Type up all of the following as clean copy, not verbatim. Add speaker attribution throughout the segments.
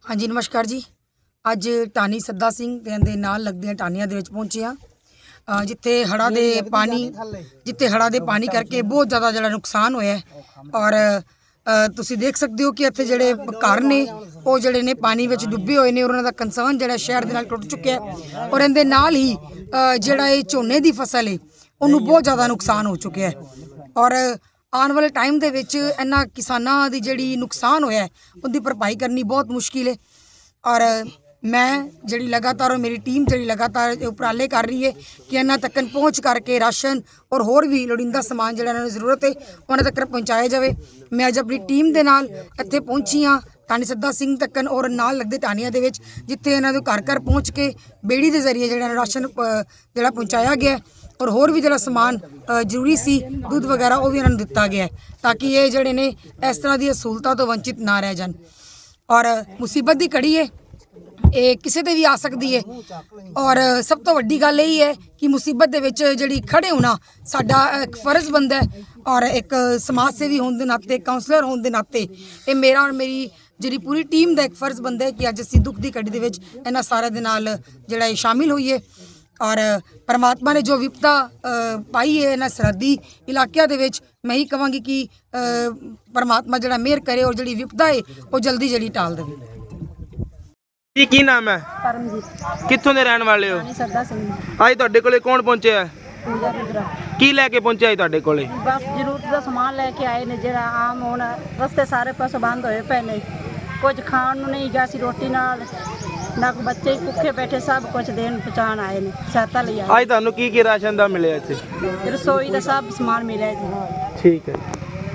Speaker 1: हाँ जी नमस्कार जी। ਅੱਜ ਟਾਹਣੀ ਸੱਦਾ ਸਿੰਘ ਦੇ ਨਾਲ ਲੱਗਦੀਆਂ ਟਾਹਣੀਆਂ ਦੇ ਵਿੱਚ ਪਹੁੰਚੇ ਹਾਂ ਜਿੱਥੇ ਹੜ੍ਹਾਂ ਦੇ ਪਾਣੀ ਕਰਕੇ ਬਹੁਤ ਜ਼ਿਆਦਾ ਜਿਹੜਾ ਨੁਕਸਾਨ ਹੋਇਆ ਔਰ ਤੁਸੀਂ ਦੇਖ ਸਕਦੇ ਹੋ ਕਿ ਇੱਥੇ ਜਿਹੜੇ ਘਰ ਨੇ ਉਹ ਜਿਹੜੇ ਨੇ ਪਾਣੀ ਵਿੱਚ ਡੁੱਬੇ ਹੋਏ ਨੇ ਔਰ ਉਹਨਾਂ ਦਾ ਕੰਸਰਨ ਜਿਹੜਾ ਸ਼ਹਿਰ ਦੇ ਨਾਲ ਟੁੱਟ ਚੁੱਕਿਆ ਔਰ ਇਹਦੇ ਨਾਲ ਹੀ ਜਿਹੜਾ ਇਹ ਝੋਨੇ ਦੀ ਫਸਲ ਹੈ ਉਹਨੂੰ ਬਹੁਤ ਜ਼ਿਆਦਾ ਨੁਕਸਾਨ ਹੋ ਚੁੱਕਿਆ ਔਰ ਆਉਣ ਵਾਲੇ ਟਾਈਮ ਦੇ ਵਿੱਚ ਇਹਨਾਂ ਕਿਸਾਨਾਂ ਦੀ ਜਿਹੜੀ ਨੁਕਸਾਨ ਹੋਇਆ ਉਹਦੀ ਭਰਪਾਈ ਕਰਨੀ ਬਹੁਤ ਮੁਸ਼ਕਿਲ ਹੈ ਔਰ मैं जी लगातार और मेरी टीम जी लगातार उपराले कर रही है कि इन्होंने तक पहुँच करके राशन और होर भी लोड़ींदा समान जो जरूरत है उन्होंने तक पहुँचाया जाए। मैं अज अपनी टीम के नाल इत्थे पहुँची हाँ टाहणी सद्दा सिंह तक और नाल लगते टाहणियां दे विच जिथे इन्हों घर घर पहुँच के बेड़ी के जरिए जो राशन जोड़ा पहुँचाया गया और होर भी जो समान जरूरी सी दूध वगैरह वो भी इन्होंने दिता गया ताकि ये जोड़े ने इस तरह दी सहूलतों तो वंचित ना रह जान। और मुसीबत की कड़ी है ਇਹ ਕਿਸੇ ਤੇ ਵੀ ਆ ਸਕਦੀ ਹੈ ਔਰ ਸਭ ਤੋਂ ਵੱਡੀ ਗੱਲ ਇਹ ਹੈ ਕਿ ਮੁਸੀਬਤ ਦੇ ਵਿੱਚ ਜਿਹੜੀ ਖੜੇ ਹੋਣਾ ਸਾਡਾ ਇੱਕ ਫਰਜ਼ ਬਣਦਾ ਹੈ ਔਰ ਇੱਕ ਸਮਾਜ ਸੇਵੀ ਹੋਣ ਦੇ ਨਾਤੇ ਕਾਉਂਸਲਰ ਹੋਣ ਦੇ ਨਾਤੇ ਇਹ ਮੇਰਾ ਔਰ ਮੇਰੀ ਜਿਹੜੀ ਪੂਰੀ ਟੀਮ ਦਾ ਇੱਕ ਫਰਜ਼ ਬਣਦਾ ਹੈ ਕਿ ਅੱਜ ਅਸੀਂ ਦੁੱਖ ਦੀ ਘੜੀ ਦੇ ਵਿੱਚ ਇਹਨਾਂ ਸਾਰਿਆਂ ਦੇ ਨਾਲ ਜਿਹੜਾ ਇਹ ਸ਼ਾਮਿਲ ਹੋਈਏ ਔਰ परमात्मा ने जो विपदा पाई है इन्होंने सरहदी इलाकों के मैं ही कहांगी कि परमात्मा जो मेहर करे और जी विपदा है वो जल्दी जी टाल दे।
Speaker 2: जी की नाम है?
Speaker 3: परमजीत।
Speaker 2: कित्थों दे रहने वाले हो?
Speaker 3: सदा सिंह।
Speaker 2: आज तुहाडे कोले कौन पहुंचे है?
Speaker 3: पूजा पुत्रा।
Speaker 2: की लैके पहुंचे आज तुहाडे कोले?
Speaker 3: बस जरूरत का समान लेके आए ने जेड़ा आम हुण रस्ते सारे पासों बंद होए पे ने कुछ खाण नूं नहीं गा सी रोटी नाल ना बच्चे भुखे बैठे सब कुछ देन पहुंचाण आए ने सहायता लई आए।
Speaker 2: आज तुहानू की राशन दा मिले इत्थे?
Speaker 3: रसोई का सब समान मिले जी।
Speaker 2: ठीक है।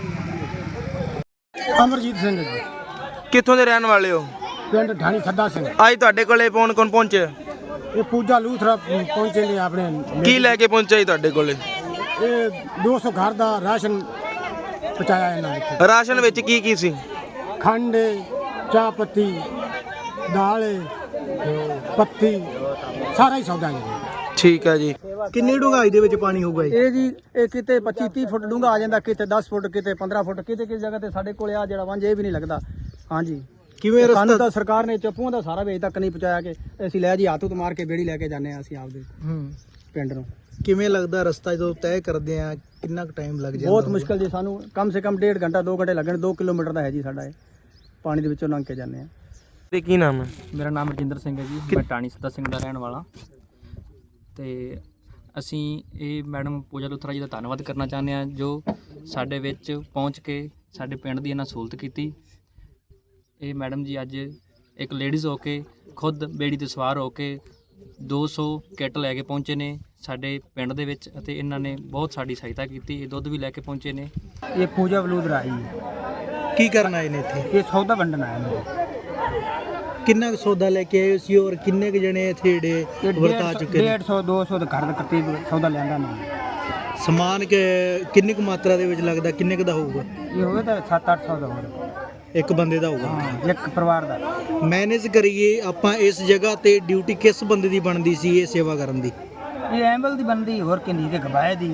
Speaker 4: अमरजीत सिंह जी।
Speaker 2: कित्थों दे रहने वाले हो?
Speaker 4: पिंड ढाणी सद्दा सिंह।
Speaker 2: आज तुहाडे कोले कौन कौन पहुंचे?
Speaker 4: ये पूजा लूथरा पहुंचे ने अपने
Speaker 2: की लैके पहुंचे तुहाडे कोले?
Speaker 4: ये 200 घर दा राशन पहुंचाया इन्होंने।
Speaker 2: राशन विच की सी?
Speaker 4: खंड चाह पत्ती दाल पत्ती सारा ही सौदा है।
Speaker 2: ठीक है जी।
Speaker 5: किन्नी डूंघाई दे विच पानी होगा
Speaker 4: ये जी ये किते 25-30 फुट डूंगा आ जांदा किते 10 फुट किते 15 फुट किते किस जगह ते साडे कोले आ जेड़ा वंज ये भी नहीं लगदा। हां जी
Speaker 5: किवें
Speaker 4: कानून
Speaker 5: रस्ता
Speaker 4: तो सरकार ने चप्पूआं दा सारा वे तक नहीं पहुंचाया कि ਅਸੀਂ ਲੈ ਜੀ ਹੱਥ ਉਤ ਮਾਰ ਕੇ ਬੇੜੀ ਲੈ ਕੇ ਜਾਂਦੇ ਆ ਅਸੀਂ ਆਪਦੇ ਪਿੰਡ ਨੂੰ।
Speaker 5: ਕਿਵੇਂ ਲੱਗਦਾ ਰਸਤਾ ਜਦੋਂ ਤੈਅ ਕਰਦੇ ਆ ਕਿੰਨਾ ਕੁ ਟਾਈਮ ਲੱਗ ਜਾਂਦਾ?
Speaker 4: ਬਹੁਤ ਮੁਸ਼ਕਲ ਜੀ ਸਾਨੂੰ ਕਮ ਸੇ ਕਮ 1.5 ਘੰਟਾ 2 ਘੰਟੇ ਲੱਗਣ 2 ਕਿਲੋਮੀਟਰ ਦਾ ਹੈ ਜੀ ਸਾਡਾ ਇਹ ਪਾਣੀ ਦੇ ਵਿੱਚੋਂ ਲੰਘ ਕੇ ਜਾਂਦੇ ਆ।
Speaker 2: ਤੇ ਕੀ ਨਾਮ ਹੈ?
Speaker 6: ਮੇਰਾ ਨਾਮ ਰਜਿੰਦਰ ਸਿੰਘ ਹੈ ਜੀ। ਮੈਂ ਟਾਹਣੀ ਸੱਦਾ ਸਿੰਘ ਦਾ ਰਹਿਣ ਵਾਲਾ ਤੇ ਅਸੀਂ ਇਹ ਮੈਡਮ ਪੂਜਾ ਲੂਥਰਾ ਜੀ ਦਾ ਧੰਨਵਾਦ ਕਰਨਾ ਚਾਹੁੰਦੇ ਹਾਂ ਜੋ ਸਾਡੇ ਵਿੱਚ ਪਹੁੰਚ ਕੇ ਸਾਡੇ ਪਿੰਡ ਦੀ ਇਹਨਾਂ ਸਹੂਲਤ ਕੀਤੀ। ਇਹ ਮੈਡਮ ਜੀ ਅੱਜ ਇੱਕ ਲੇਡੀਜ਼ ਹੋ ਕੇ ਖੁਦ ਬੇੜੀ ਤੇ ਸਵਾਰ ਹੋ ਕੇ 200 ਕਿੱਟ ਲੈ ਕੇ ਪਹੁੰਚੇ ਨੇ ਸਾਡੇ ਪਿੰਡ ਦੇ ਵਿੱਚ ਅਤੇ ਇਹਨਾਂ ਨੇ ਬਹੁਤ ਸਾਡੀ ਸਹਾਇਤਾ ਕੀਤੀ। ਇਹ ਦੁੱਧ ਵੀ ਲੈ ਕੇ ਪਹੁੰਚੇ ਨੇ।
Speaker 4: ਇਹ ਪੂਜਾ ਵਲੂਦਰਾ ਜੀ
Speaker 5: ਕੀ ਕਰਨ ਆਏ ਨੇ ਇੱਥੇ?
Speaker 4: ਇਹ ਸੌਦਾ ਵੰਡਣ ਆਏ ਨੇ।
Speaker 5: ਕਿੰਨਾ ਕੁ ਸੌਦਾ ਲੈ ਕੇ ਆਏ ਸੀ ਔਰ ਕਿੰਨੇ ਕੁ ਜਣੇ ਇੱਥੇ ਜਿਹੜੇ ਵਰਤਾ ਚੁੱਕੇ ਨੇ?
Speaker 4: 150 200 ਦੇ ਘਰ ਦੇ ਕਰਤੀਬ ਸੌਦਾ ਲਿਆਂਦਾ ਨੇ।
Speaker 5: ਸਮਾਨ ਕਿੰਨੀ ਕੁ ਮਾਤਰਾ ਦੇ ਵਿੱਚ ਲੱਗਦਾ ਕਿੰਨੇ ਕੁ ਦਾ ਹੋਊਗਾ?
Speaker 4: ਇਹ ਹੋਵੇ ਤਾਂ 7-800 ਦਾ ਹੋਵੇ
Speaker 5: ਇੱਕ ਬੰਦੇ ਦਾ ਹੋਊਗਾ।
Speaker 4: ਹਾਂ ਇੱਕ ਪਰਿਵਾਰ ਦਾ।
Speaker 5: ਮੈਨੇਜ ਕਰੀਏ ਆਪਾਂ ਇਸ ਜਗ੍ਹਾ ਤੇ ਡਿਊਟੀ ਕਿਸ ਬੰਦੇ ਦੀ ਬਣਦੀ ਸੀ ਇਹ ਸੇਵਾ ਕਰਨ ਦੀ?
Speaker 4: ਇਹ ਐਂਬਲ ਦੀ ਬਣਦੀ ਹੋਰ ਕਿੰਨੀ ਤੇ ਗਵਾਏ ਦੀ।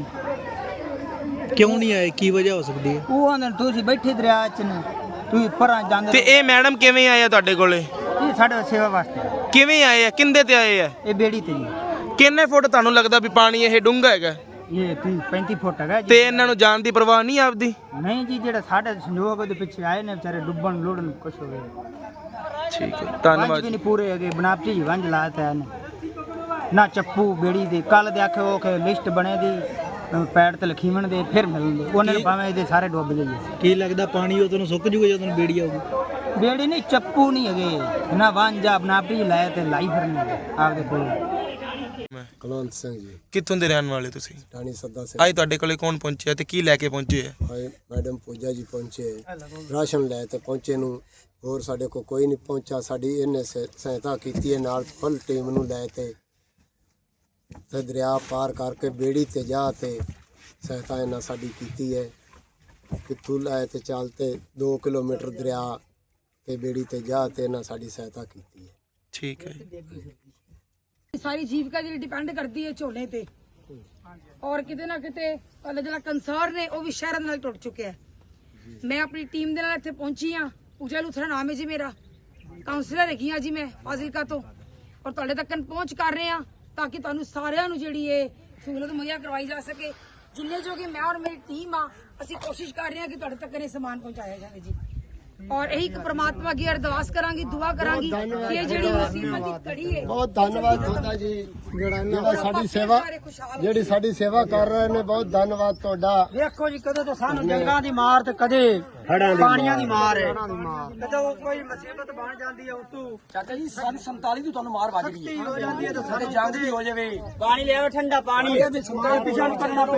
Speaker 5: ਕਿਉਂ ਨਹੀਂ ਆਏ ਕੀ ਵਜ੍ਹਾ ਹੋ ਸਕਦੀ ਹੈ?
Speaker 4: ਉਹ ਆਂਦੇ ਤੁਸੀਂ ਬੈਠੇ ਦਰਿਆ ਚ ਨੇ ਤੁਸੀਂ ਪਰਾਂ ਜਾਂਦੇ
Speaker 2: ਤੇ ਇਹ ਮੈਡਮ ਕਿਵੇਂ ਆਏ ਆ ਤੁਹਾਡੇ ਕੋਲੇ?
Speaker 4: ਇਹ ਸਾਡੇ ਸੇਵਾ ਵਾਸਤੇ
Speaker 2: ਕਿਵੇਂ ਆਏ ਆ? ਕਿੰਦੇ ਤੇ ਆਏ ਆ?
Speaker 4: ਇਹ ਬੇੜੀ ਤੇ ਜੀ।
Speaker 2: ਕਿੰਨੇ ਫੁੱਟ ਤੁਹਾਨੂੰ ਲੱਗਦਾ ਵੀ ਪਾਣੀ ਇਹ ਡੂੰਘਾ ਹੈਗਾ?
Speaker 4: ਇਹ 35 ਫੁੱਟ ਹੈਗਾ ਜੀ।
Speaker 2: ਤੇ ਇਹਨਾਂ ਨੂੰ ਜਾਣ ਦੀ ਪਰਵਾਹ ਨਹੀਂ ਆਪਦੀ?
Speaker 4: ਨਹੀਂ ਜੀ ਜਿਹੜਾ ਸਾਡੇ ਸੰਯੋਗ ਦੇ ਪਿੱਛੇ ਆਏ ਨੇ ਵਿਚਾਰੇ ਡੁੱਬਣ ਲੋੜਨ ਕੁਛ ਹੋਵੇ।
Speaker 2: ਠੀਕ ਹੈ
Speaker 4: ਵੰਜ
Speaker 2: ਧੰਨਵਾਦ।
Speaker 4: ਵੀ ਨਹੀਂ ਪੂਰੇ ਹੈਗੇ ਬਨਾਪਟੀ ਵੰਜ ਲਾਤਾ ਨੇ ਨਾ ਚੱਪੂ ਬੇੜੀ ਦੇ ਕੱਲ ਦੇ ਆਖੇ ਉਹ ਕਿ ਲਿਸਟ ਬਣੇ ਦੀ ਪੈੜ ਤੇ ਲਖੀਵਣ ਦੇ ਫਿਰ ਮਿਲਣਗੇ ਉਹਨਾਂ ਨੂੰ ਭਾਵੇਂ ਇਹਦੇ ਸਾਰੇ ਡੁੱਬ ਗਏ।
Speaker 5: ਕੀ ਲੱਗਦਾ ਪਾਣੀ ਉਹ ਤੁਹਾਨੂੰ ਸੁੱਕ ਜੂਗਾ ਜਦੋਂ ਬੇੜੀ ਆਊਗੀ?
Speaker 4: ਬੇੜੀ ਨਹੀਂ ਚੱਪੂ ਨਹੀਂ ਹੈਗੇ ਨਾ ਵਾਂਝਾ ਬਨਾਪਟੀ ਲਾਏ ਤੇ ਲਾਈ ਫਿਰਨੇ ਆਪਦੇ ਕੋਲ।
Speaker 7: ਕੁਲਵੰਤ ਸਿੰਘ ਜੀ।
Speaker 2: ਕਿੱਥੋਂ ਦੇ ਰਹਿਣ ਵਾਲੇ ਤੁਸੀਂ?
Speaker 7: ਟਾਹਣੀ ਸੱਦਾ ਸਿੰਘ।
Speaker 2: ਅੱਜ ਤੁਹਾਡੇ ਕੋਲੇ ਕੌਣ ਪਹੁੰਚਿਆ ਤੇ ਕੀ ਲੈ ਕੇ ਪਹੁੰਚੇ ਆ?
Speaker 7: ਹਾਏ ਮੈਡਮ ਪੂਜਾ ਜੀ ਪਹੁੰਚੇ ਰਾਸ਼ਨ ਲੈ ਤੇ ਪਹੁੰਚੇ ਨੂੰ ਹੋਰ ਸਾਡੇ ਕੋਲ ਕੋਈ ਨਹੀਂ ਪਹੁੰਚਾ। ਸਾਡੀ ਇਹਨੇ ਸਹਾਇਤਾ ਕੀਤੀ ਹੈ ਨਾਲ ਫੁੱਲ ਟੀਮ ਨੂੰ ਲੈ ਤੇ ਦਰਿਆ ਪਾਰ ਕਰਕੇ ਬੇੜੀ ਤੇ ਜਾ ਤੇ ਸਹਾਇਤਾ ਇਹਨਾਂ ਸਾਡੀ ਕੀਤੀ ਹੈ। ਕਿੱਥੋਂ ਲੈ ਤੇ ਚੱਲ ਤੇ 2 ਕਿਲੋਮੀਟਰ ਦਰਿਆ ਤੇ ਬੇੜੀ ਤੇ ਜਾ ਤੇ ਇਹਨਾਂ ਸਾਡੀ ਸਹਾਇਤਾ ਕੀਤੀ ਹੈ।
Speaker 2: ਠੀਕ ਹੈ।
Speaker 1: ਸਾਰੀ ਜੀਵਿਕਾ ਜਿਹੜੀ ਡਿਪੈਂਡ ਕਰਦੀ ਹੈ ਝੋਨੇ ਤੇ ਔਰ ਕਿਤੇ ਨਾ ਕਿਤੇ ਜਿਹੜਾ ਕੰਸਰਨ ਹੈ ਉਹ ਵੀ ਸ਼ਹਿਰਾਂ ਨਾਲ ਟੁੱਟ ਚੁੱਕਿਆ ਹੈ। ਮੈਂ ਆਪਣੀ ਟੀਮ ਦੇ ਨਾਲ ਇੱਥੇ ਪਹੁੰਚੀ ਹਾਂ। ਪੂਜਾ ਲੂਥਰਾ ਨਾਮ ਹੈ ਜੀ ਮੇਰਾ ਕਾਉਂਸਲਰ ਹੈਗੀ ਹਾਂ ਜੀ ਮੈਂ ਫਾਜ਼ਿਲਕਾ ਤੋਂ, ਔਰ ਤੁਹਾਡੇ ਤੱਕ ਪਹੁੰਚ ਕਰ ਰਹੇ ਹਾਂ ਤਾਂ ਕਿ ਤੁਹਾਨੂੰ ਸਾਰਿਆਂ ਨੂੰ ਜਿਹੜੀ ਇਹ ਸਹੂਲਤ ਮੁਹੱਈਆ ਕਰਵਾਈ ਜਾ ਸਕੇ। ਜਿੰਨੇ ਜੋ ਕਿ ਮੈਂ ਔਰ ਮੇਰੀ ਟੀਮ ਆ, ਅਸੀਂ ਕੋਸ਼ਿਸ਼ ਕਰ ਰਹੇ ਹਾਂ ਕਿ ਤੁਹਾਡੇ ਤੱਕ ਇਹ ਸਮਾਨ ਪਹੁੰਚਾਇਆ ਜਾਵੇ ਜੀ। ਔਰ ਇਹੀ ਪ੍ਰਮਾਤਮਾ ਅੱਗੇ ਅਰਦਾਸ ਕਰਾਂਗੀ, ਦੁਆ ਕਰਾਂਗੀ ਕਿ ਇਹ ਜਿਹੜੀ ਮੁਸੀਬਤ ਦੀ ਘੜੀ ਹੈ।
Speaker 7: ਬਹੁਤ ਧੰਨਵਾਦ ਤੁਹਾਡਾ ਜੀ, ਜਿਹੜਾ ਸਾਡੀ ਸੇਵਾ ਕਰ ਰਹੇ ਨੇ। ਬਹੁਤ ਧੰਨਵਾਦ ਤੁਹਾਡਾ।
Speaker 4: ਵੇਖੋ ਜੀ, ਕਦੇ ਤਾਂ ਸਾਨੂੰ ਜੰਗਾਂ ਦੀ ਮਾਰ ਤੇ ਕਦੇ ਪਾਣੀਆਂ ਦੀ ਮਾਰ ਹੈ, ਕਦੋਂ ਕੋਈ ਮੁਸੀਬਤ ਬਣ ਜਾਂਦੀ ਹੈ ਉਤੋਂ ਚਾਚਾ ਜੀ 47 ਤੋਂ ਤੁਹਾਨੂੰ ਮਾਰ ਵੱਜ ਗਈ ਹੋ ਜਾਂਦੀ ਹੈ ਤਾਂ ਸਾਰੇ ਜੰਗ ਵੀ ਹੋ ਜਾਵੇ। ਪਾਣੀ ਲਿਆਓ ਠੰਡਾ ਪਾਣੀ, ਪਿਛਾ ਨੂੰ ਕਰਨਾ